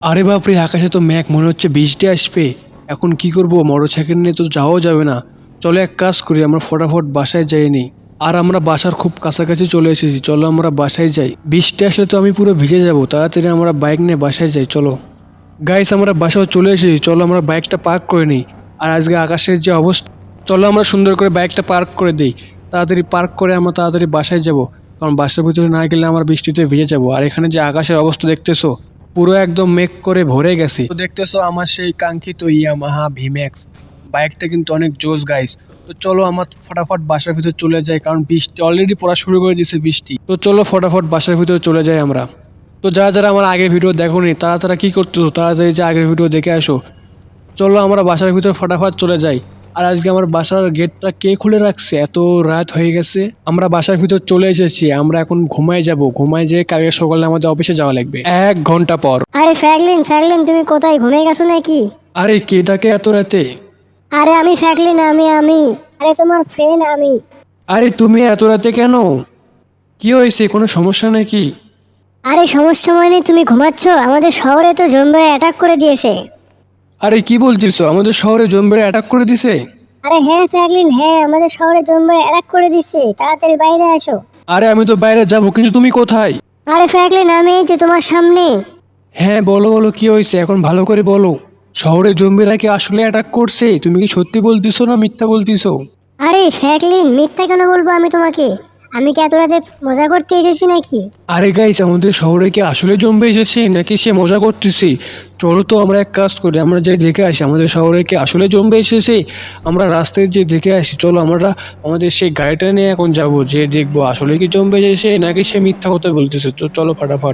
আরে বাপরে, আকাশে তো মেঘ, মনে হচ্ছে বৃষ্টি আসবে। এখন কি করব, মোটরসাইকেল নিয়ে তো যাওয়াও যাবে না। চলো এক কাজ করি, আমরা ফটাফট বাসায় যাই নি। আর আমরা বাসার খুব কাছাকাছি চলে এসেছি, চলো আমরা বাসায় যাই। বৃষ্টি আসলে তো আমি পুরো ভিজে যাব, তাড়াতাড়ি আমরা বাইক নিয়ে বাসায় যাই চলো। গাইস, আমরা বাসায় চলে এসেছি, চলো আমরা বাইকটা পার্ক করে নিই। আর আজকে আকাশের যে অবস্থা, চলো আমরা সুন্দর করে বাইকটা পার্ক করে দিই। তাড়াতাড়ি পার্ক করে আমরা তাড়াতাড়ি বাসায় যাব, কারণ বাসার ভিতরে না গেলে আমরা বৃষ্টিতে ভিজে যাব। আর এখানে যে আকাশের অবস্থা দেখতেছো, পুরো একদম মেঘ করে ভরে গেছে। তো দেখতেছো আমার সেই কাঙ্ক্ষিত ইয়ামাহা ভিম্যাক্স বাইকটা কিন্তু অনেক জোস গাইস। তো চলো আমার ফটাফট বাসার ভিতর চলে যাই, কারণ বৃষ্টি অলরেডি পড়া শুরু করে দিয়েছে বৃষ্টি। তো চলো ফটাফট বাসার ভিতরে চলে যাই আমরা। তো যারা যারা আমার আগের ভিডিও দেখোনি তারা তারা কি করতেছো, তাড়াতাড়ি যে আগের ভিডিও দেখে আসো। চলো আমরা বাসার ভিতর ফটাফট চলে যাই। আর আজকে আমার বাসার গেটটা কে খুলে রাখছে, এত রাত হয়ে গেছে। আমরা বাসার ভিতর চলে এসেছি, আমরা এখন ঘুমায় যাব। ঘুমায় যেয়ে কালকে সকালে আমাদের অফিসে যাওয়া লাগবে 1 ঘন্টা পর। আরে ফ্র্যাঙ্কলিন ফ্র্যাঙ্কলিন, তুমি কোথায়, ঘুমিয়ে গেছো নাকি? আরে কে ডাকে এত রাতে? আরে আমি ফ্র্যাঙ্কলিন, আমি আরে তোমার ফ্রেন্ড আমি। আরে তুমি এত রাতে কেন? কি হয়েছে, কোনো সমস্যা নাকি? আরে সমস্যা মানে তুমি ঘুমাচ্ছ, আমাদের শহরে তো জম্বিরা অ্যাটাক করে দিয়েছে। আরে কি বলতেছো, আমাদের শহরে জম্বিরা অ্যাটাক করে দিছে? আরে হ্যাঁ ফ্র্যাঙ্কলিন, হ্যাঁ আমাদের শহরে জম্বিরা অ্যাটাক করে দিচ্ছে, তাড়াতাড়ি বাইরে আসো। আরে আমি তো বাইরে যাবো, কিন্তু তুমি কোথায়? আরে ফ্র্যাঙ্কলিন, আমি এই যে তোমার সামনে। হ্যাঁ বলো বলো, কি হয়েছে এখন ভালো করে বলো। শহরে জম্বিরা কি আসলে অ্যাটাক করছে? তুমি কি সত্যি বলতিছো না মিথ্যা বলতিছো? আরে ফ্র্যাঙ্কলিন, মিথ্যা কেন বলবো আমি তোমাকে? আমি কি এত রাতে মজা করতে এসেছি নাকি? আরে গাইস, আমাদের শহরে কি আসলে জম্বি এসেছে নাকি সে মজা করতেছে? চলো তো আমরা এক কাজ করি, আমরা যাই দেখে আসি আমাদের শহরে কি আসলে জম্বি এসেছে। আমরা রাস্তায় যে দেখে আসি, চলো আমরা আমাদের সেই গাড়িটা নিয়ে এখন যাব, যে দেখবো আসলে কি জম্বি এসেছে নাকি সে মিথ্যা কথা বলতেছে। তো চলো ফাটাফাট।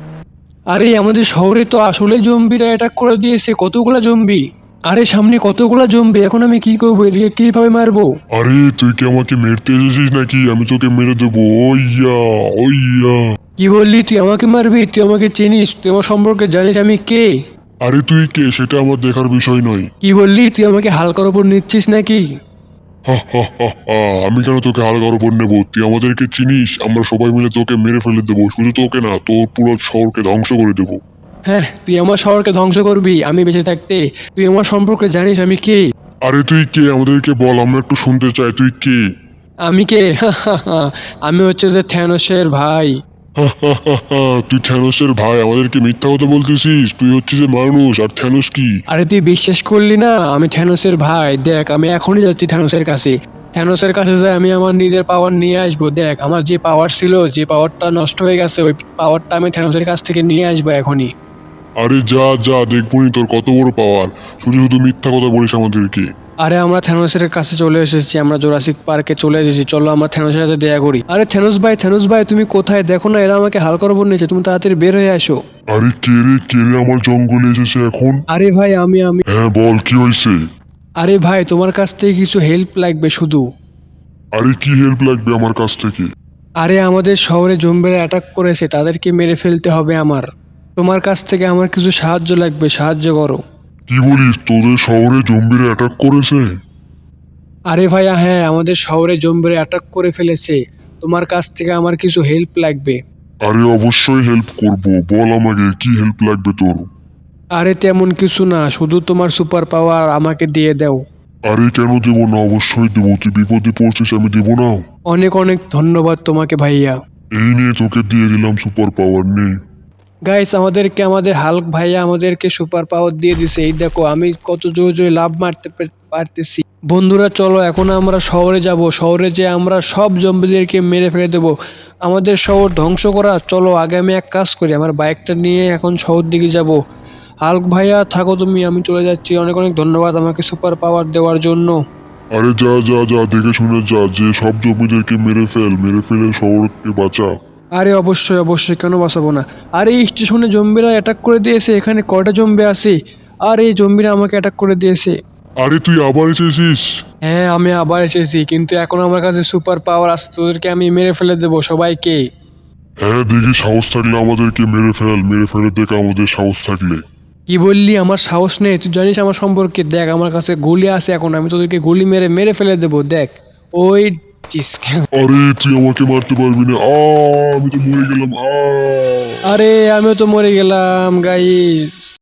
আরে আমাদের শহরে তো আসলে জম্বিরা অ্যাটাক করে দিয়েছে, কতগুলা জম্বি। আরে সামনে কতগুলা জম্বি, এখন আমি কি করবো, এদিকে কিভাবে মারবো? আরে তুই কি আমাকে মেরতে এসেছিস নাকি? আমি তোকে মেরে দেবো। ওইয়া ওইয়া। কি বললি, তুই আমাকে মারবি? তুই আমাকে চিনিস? তুই আমার সম্পর্কে জানিস আমি কে? আরে তুই কে সেটা আমার দেখার বিষয় নয়। কি বললি, তুই আমাকে হালকার ওপর নিচ্ছিস নাকি? হা হা হা হা। আমি কেন তোকে হালকার উপর নেবো? তুই আমাদেরকে চিনিস? আমরা সবাই মিলে তোকে মেরে ফেলে দেবো। শুধু তোকে না, তোর পুরো শহরকে ধ্বংস করে দেবো। হ্যাঁ, তুই আমার শহরকে ধ্বংস করবি আমি বেঁচে থাকতে? তুই আমার সম্পর্কে জানিস আমি কে? আরে তুই কে আমাদেরকে বল, আমরা একটু শুনতে চাই তুই কে। আমি কে? আমি হচ্ছে যে থ্যানোসের ভাই। হা হা হা হা। তুই থ্যানোসের ভাই, আমাদেরকে মিথ্যা কথা বলতেছিস? তুই হচ্ছিস যে মানুষ, আর থ্যানোস কি? আরে তুই বিশ্বাস করলি না, আমি থ্যানোসের ভাই। দেখ আমি এখনই যাচ্ছি থ্যানোসের কাছে। থ্যানোসের কাছে যাই আমি আমার নিজের পাওয়ার নিয়ে আসবো। দেখ আমার যে পাওয়ার ছিল, যে পাওয়ারটা নষ্ট হয়ে গেছে, ওই পাওয়ারটা আমি থ্যানোসের কাছ থেকে নিয়ে আসবো এখনই। আরে যা যা, দেখবনি তোর কত বড় পাওয়ার। শুধু শুধু মিথ্যা কথা বলিস আমাদেরকে। আরে আমরা থ্যানোসের কাছে চলে এসেছি, আমরা জোরাসিক পার্কে চলে এসেছি। চলো আমরা থ্যানোসের সাথে দেখা করি। আরে থ্যানোস ভাই তুমি কোথায়? দেখো না, এরা আমাকে হালকার ওপর নিয়েছে, তুমি তাড়াতাড়ি বের হয়ে আসো। আরে কে রে আমার জঙ্গলে এসেছে এখন? আরে ভাই আমি হ্যাঁ বল, কি হয়েছে? আরে ভাই, তোমার কাছ থেকে কিছু হেল্প লাগবে শুধু। আরে কি হেল্প লাগবে আমার কাছ থেকে? আরে আমাদের শহরে জম্বিরা অ্যাটাক করেছে, তাদেরকে মেরে ফেলতে হবে আমার। তোমার কাছ থেকে আমার কিছু সাহায্য লাগবে, সাহায্য করো। কি বলিস, তোদের শহরে জম্বিরা অ্যাটাক করেছে? আরে ভাইয়া হ্যাঁ, আমাদের শহরে জম্বিরা অ্যাটাক করে ফেলেছে। তোমার কাছ থেকে আমার কিছু হেল্প লাগবে। আরে অবশ্যই হেল্প করব, বল আমাকে কি হেল্প লাগবে তোর? আরে তেমন কিছু না, শুধু তোমার সুপার পাওয়ার আমাকে দিয়ে দাও। আরে কেন দেবো না, অবশ্যই দেবো। তুই বিপদে পড়ছিস, আমি দেবো না? অনেক অনেক ধন্যবাদ তোমাকে ভাইয়া। এই নিয়ে তোকে দিয়ে দিলাম সুপার পাওয়ার, নে। গাইস, আমাদের হাল্ক ভাইয়া আমাদেরকে সুপার পাওয়ার দিয়ে দিছে। এই দেখো আমি কত জোরে জোরে লাভ মারতে পারতেছি। বন্ধুরা চলো এখন আমরা শহরে যাব, শহরে যে আমরা সব জম্বিদেরকে মেরে ফেলে দেবো। আমাদের শহর ধ্বংস করা, চলো আগে আমি এক কাজ করি, আমার বাইকটা নিয়ে এখন শহর দিকে যাব। হাল্ক ভাইয়া থাকো তুমি, আমি চলে যাচ্ছি। অনেক অনেক ধন্যবাদ আমাকে সুপার পাওয়ার দেওয়ার জন্য। আরে যা যা যা, দেখে শুনে যা, যে সব জমিদেরকে মেরে ফেলে শহরকে বাঁচা। আরে অবশ্যই অবশ্যই, কেন বাঁচাবো না। আরে এই স্টেশনে জম্বিরা অ্যাটাক করে দিয়েছে, এখানে কয়টা জম্বি আছে। আর এই জম্বিরা আমাকে অ্যাটাক করে দিয়েছে। আরে তুই আবার এসেছিস? হ্যাঁ আমি আবার এসেছি, কিন্তু এখন আমার কাছে সুপার পাওয়ার আছে, তোদেরকে আমি মেরে ফেলে দেবো সবাইকে। হ্যাঁ দেখি, সাহস থাকলে আমাদেরকে মেরে ফেলে দেখ আমাদের সাহস থাকলে। কি বললি, আমার সাহস নেই? তুই জানিস আমার সম্পর্কে, দেখ আমার কাছে গুলি আছে, এখন আমি তোদেরকে গুলি মেরে মেরে ফেলে দেবো। দেখ ওই আরে তুই আমাকে মারতে পারবি না। আমি তো মরে গেলাম। আরে আমিও তো মরে গেলাম গাইস।